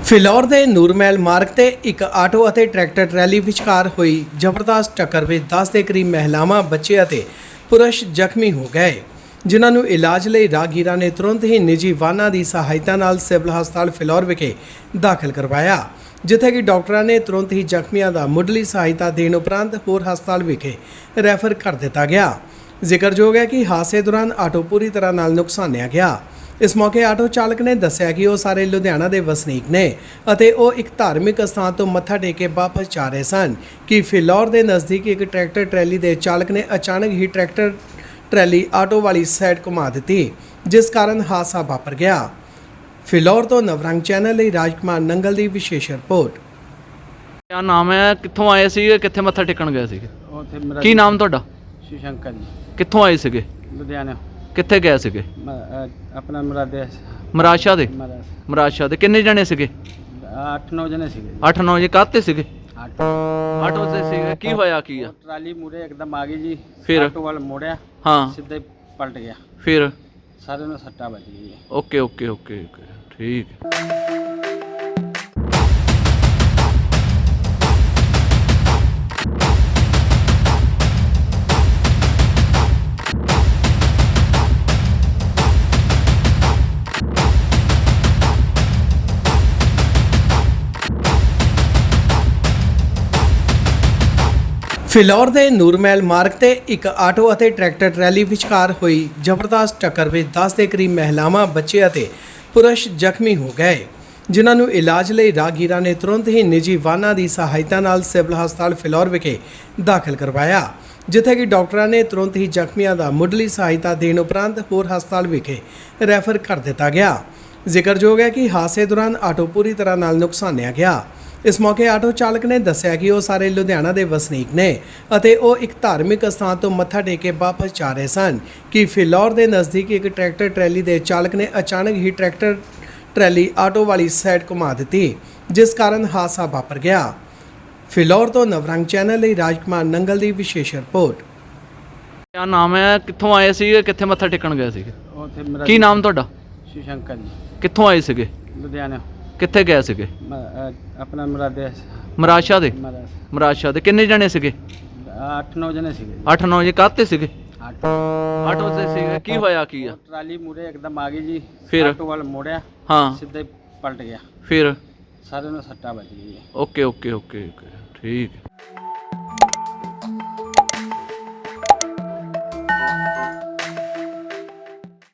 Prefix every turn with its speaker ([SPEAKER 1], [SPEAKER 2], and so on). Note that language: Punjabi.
[SPEAKER 1] ਫਿਲੌਰ ਦੇ ਨੂਰਮਹਿਲ ਮਾਰਗ ਤੇ ਇੱਕ ਆਟੋ ਅਤੇ ਟਰੈਕਟਰ ਟਰੈਲੀ ਵਿਚਕਾਰ ਹੋਈ ਜ਼ਬਰਦਸਤ ਟੱਕਰ ਵਿੱਚ 10 ਦੇ ਕਰੀਬ ਮਹਿਲਾਵਾਂ, ਬੱਚੇ ਅਤੇ ਪੁਰਸ਼ ਜ਼ਖਮੀ ਹੋ ਗਏ, ਜਿਨ੍ਹਾਂ ਨੂੰ ਇਲਾਜ ਲਈ ਰਾਹਗੀਰਾਂ ਨੇ ਤੁਰੰਤ ਹੀ ਨਿੱਜੀ ਵਾਹਨਾਂ ਦੀ ਸਹਾਇਤਾ ਨਾਲ ਸਿਵਲ ਹਸਪਤਾਲ ਫਿਲੌਰ ਵਿਖੇ ਦਾਖਲ ਕਰਵਾਇਆ, ਜਿੱਥੇ ਕਿ ਡਾਕਟਰਾਂ ਨੇ ਤੁਰੰਤ ਹੀ ਜ਼ਖਮੀਆਂ ਦਾ ਮੁੱਢਲੀ ਸਹਾਇਤਾ ਦੇਣ ਉਪਰੰਤ ਹੋਰ ਹਸਪਤਾਲ ਵਿਖੇ ਰੈਫਰ ਕਰ ਦਿੱਤਾ ਗਿਆ। ਜ਼ਿਕਰਯੋਗ ਹੈ ਕਿ ਹਾਦਸੇ ਦੌਰਾਨ ਆਟੋ ਪੂਰੀ ਤਰ੍ਹਾਂ ਨਾਲ ਨੁਕਸਾਨਿਆ ਗਿਆ। ਇਸ ਮੌਕੇ ਆਟੋ ਚਾਲਕ ਨੇ ਦੱਸਿਆ ਕਿ ਉਹ ਸਾਰੇ ਲੁਧਿਆਣਾ ਦੇ ਵਸਨੀਕ ਨੇ ਅਤੇ ਉਹ ਇੱਕ ਧਾਰਮਿਕ ਸਥਾਨ ਤੋਂ ਮੱਥਾ ਟੇਕ ਕੇ ਵਾਪਸ ਜਾ ਰਹੇ ਸਨ ਕਿ ਫਿਲੌਰ ਦੇ ਨਜ਼ਦੀਕ ਇੱਕ ਟਰੈਕਟਰ ਟਰੈਲੀ ਦੇ ਚਾਲਕ ਨੇ ਅਚਾਨਕ ਹੀ ਟਰੈਕਟਰ ਟਰੈਲੀ ਆਟੋ ਵਾਲੀ ਸਾਈਡ ਘੁਮਾ ਦਿੱਤੀ, ਜਿਸ ਕਾਰਨ ਹਾਦਸਾ ਵਾਪਰ ਗਿਆ। ਫਿਲੌਰ ਤੋਂ ਨਵਰੰਗ ਚੈਨਲ ਲਈ ਰਾਜਕੁਮਾਰ ਨੰਗਲ ਦੀ ਵਿਸ਼ੇਸ਼ ਰਿਪੋਰਟ।
[SPEAKER 2] क्या नाम है, कित्थों आए सी, कित्थे मत्था टेकण गए सी? की नाम तुहाडा?
[SPEAKER 3] ਸ਼ੰਕਰ ਜੀ
[SPEAKER 2] कित्थों आए सीगे?
[SPEAKER 3] ਲੁਧਿਆਣਾ
[SPEAKER 2] कित्थे गए सीगे?
[SPEAKER 3] ਆਪਣਾ ਮੁਰਾਦੇ
[SPEAKER 2] ਮਰਾਸ਼ਾ ਦੇ?
[SPEAKER 3] ਮਹਾਰਾਜ
[SPEAKER 2] ਮਰਾਸ਼ਾ ਦੇ ਕਿੰਨੇ ਜਣੇ ਸੀਗੇ?
[SPEAKER 3] 8-9 ਜਣੇ ਸੀਗੇ
[SPEAKER 2] 8-9 ਜੀ। ਕਾਹਤੇ ਸੀਗੇ?
[SPEAKER 3] ਆਟੋ
[SPEAKER 2] ਆਟੋ ਤੇ ਸੀਗੇ। ਕੀ ਹੋਇਆ ਕੀ ਆ?
[SPEAKER 3] ਟਰਾਲੀ ਮੂਰੇ ਇੱਕਦਮ ਆ ਗਈ ਜੀ।
[SPEAKER 2] ਫਿਰ?
[SPEAKER 3] ਆਟੋ ਵਾਲ ਮੋੜਿਆ,
[SPEAKER 2] ਹਾਂ,
[SPEAKER 3] ਸਿੱਧਾ ਹੀ ਪਲਟ ਗਿਆ।
[SPEAKER 2] ਫਿਰ?
[SPEAKER 3] ਸਾਰਿਆਂ ਨੂੰ ਸੱਟਾਂ ਵੱਜ ਗਈ।
[SPEAKER 2] ਓਕੇ ਓਕੇ ਓਕੇ ਓਕੇ, ਠੀਕ ਹੈ।
[SPEAKER 1] ਫਿਲੌਰ ਦੇ ਨੂਰਮਹਿਲ ਮਾਰਗ ਤੇ ਇੱਕ ਆਟੋ ਅਤੇ ਟਰੈਕਟਰ ਟਰੈਲੀ ਵਿਚਕਾਰ ਹੋਈ ਜ਼ਬਰਦਸਤ ਟੱਕਰ ਵਿੱਚ 10 ਦੇ ਕਰੀਬ ਮਹਿਲਾਵਾਂ, ਬੱਚੇ ਅਤੇ ਪੁਰਸ਼ ਜ਼ਖਮੀ ਹੋ ਗਏ, ਜਿਨ੍ਹਾਂ ਨੂੰ ਇਲਾਜ ਲਈ ਰਾਹਗੀਰਾਂ ਨੇ ਤੁਰੰਤ ਹੀ ਨਿੱਜੀ ਵਾਹਨਾਂ ਦੀ ਸਹਾਇਤਾ ਨਾਲ ਸਿਵਲ ਹਸਪਤਾਲ ਫਿਲੌਰ ਵਿਖੇ ਦਾਖਲ ਕਰਵਾਇਆ, ਜਿੱਥੇ ਕਿ ਡਾਕਟਰਾਂ ਨੇ ਤੁਰੰਤ ਹੀ ਜ਼ਖਮੀਆਂ ਦਾ ਮੁੱਢਲੀ ਸਹਾਇਤਾ ਦੇਣ ਉਪਰੰਤ ਹੋਰ ਹਸਪਤਾਲ ਵਿਖੇ ਰੈਫਰ ਕਰ ਦਿੱਤਾ ਗਿਆ। ਜ਼ਿਕਰਯੋਗ ਹੈ ਕਿ ਹਾਦਸੇ ਦੌਰਾਨ ਆਟੋ ਪੂਰੀ ਤਰ੍ਹਾਂ ਨਾਲ ਨੁਕਸਾਨਿਆ ਗਿਆ। ਇਸ ਮੌਕੇ ਆਟੋ ਚਾਲਕ ਨੇ ਦੱਸਿਆ ਕਿ ਉਹ ਸਾਰੇ ਲੁਧਿਆਣਾ ਦੇ ਵਸਨੀਕ ਨੇ ਅਤੇ ਉਹ ਇੱਕ ਧਾਰਮਿਕ ਸਥਾਨ ਤੋਂ ਮੱਥਾ ਟੇਕ ਕੇ ਵਾਪਸ ਜਾ ਰਹੇ ਸਨ ਕਿ ਫਿਲੌਰ ਦੇ ਨਜ਼ਦੀਕ ਇੱਕ ਟਰੈਕਟਰ ਟਰੈਲੀ ਦੇ ਚਾਲਕ ਨੇ ਅਚਾਨਕ ਹੀ ਟਰੈਕਟਰ ਟਰੈਲੀ ਆਟੋ ਵਾਲੀ ਸਾਈਡ ਘੁਮਾ ਦਿੱਤੀ, ਜਿਸ ਕਾਰਨ ਹਾਦਸਾ ਵਾਪਰ ਗਿਆ। ਫਿਲੌਰ ਤੋਂ ਨਵਰੰਗ ਚੈਨਲ ਲਈ ਰਾਜਕੁਮਾਰ ਨੰਗਲ ਦੀ ਵਿਸ਼ੇਸ਼ ਰਿਪੋਰਟ।
[SPEAKER 2] क्या नाम है, कित्थों आए सी, कित्थे मत्था टेकण गए सीगे?
[SPEAKER 3] ਉੱਥੇ
[SPEAKER 2] ਕੀ ਨਾਮ ਤੁਹਾਡਾ?
[SPEAKER 3] ਸ਼ੰਕਰ ਜੀ
[SPEAKER 2] ਕਿੱਥੋਂ ਆਏ ਸੀਗੇ?
[SPEAKER 3] ਲੁਧਿਆਣਾ
[SPEAKER 2] ਕਿੱਥੇ ਗਏ ਸੀਗੇ?
[SPEAKER 3] ਆਪਣਾ ਮੁਰਾਦੇ
[SPEAKER 2] ਮਰਾਸ਼ਾ ਦੇ?
[SPEAKER 3] ਮਹਾਰਾਜ
[SPEAKER 2] ਮਰਾਸ਼ਾ ਦੇ ਕਿੰਨੇ ਜਣੇ ਸੀਗੇ?
[SPEAKER 3] 8-9 ਜਣੇ ਸੀਗੇ
[SPEAKER 2] 8-9 ਜੀ। ਕਾਹਤੇ ਸੀਗੇ?
[SPEAKER 3] ਆਟੋ
[SPEAKER 2] ਆਟੋ ਤੇ ਸੀਗੇ। ਕੀ ਹੋਇਆ ਕੀ ਆ?
[SPEAKER 3] ਟਰਾਲੀ ਮੂਰੇ ਇੱਕਦਮ ਆ ਗਈ ਜੀ।
[SPEAKER 2] ਫਿਰ?
[SPEAKER 3] ਆਟੋ ਵਾਲ ਮੋੜਿਆ,
[SPEAKER 2] ਹਾਂ,
[SPEAKER 3] ਸਿੱਧਾ ਹੀ ਪਲਟ ਗਿਆ।
[SPEAKER 2] ਫਿਰ?
[SPEAKER 3] ਸਾਰਿਆਂ ਨੂੰ ਸੱਟਾਂ ਵੱਜ ਗਈ।
[SPEAKER 2] ਓਕੇ ਓਕੇ ਓਕੇ ਓਕੇ, ਠੀਕ ਹੈ।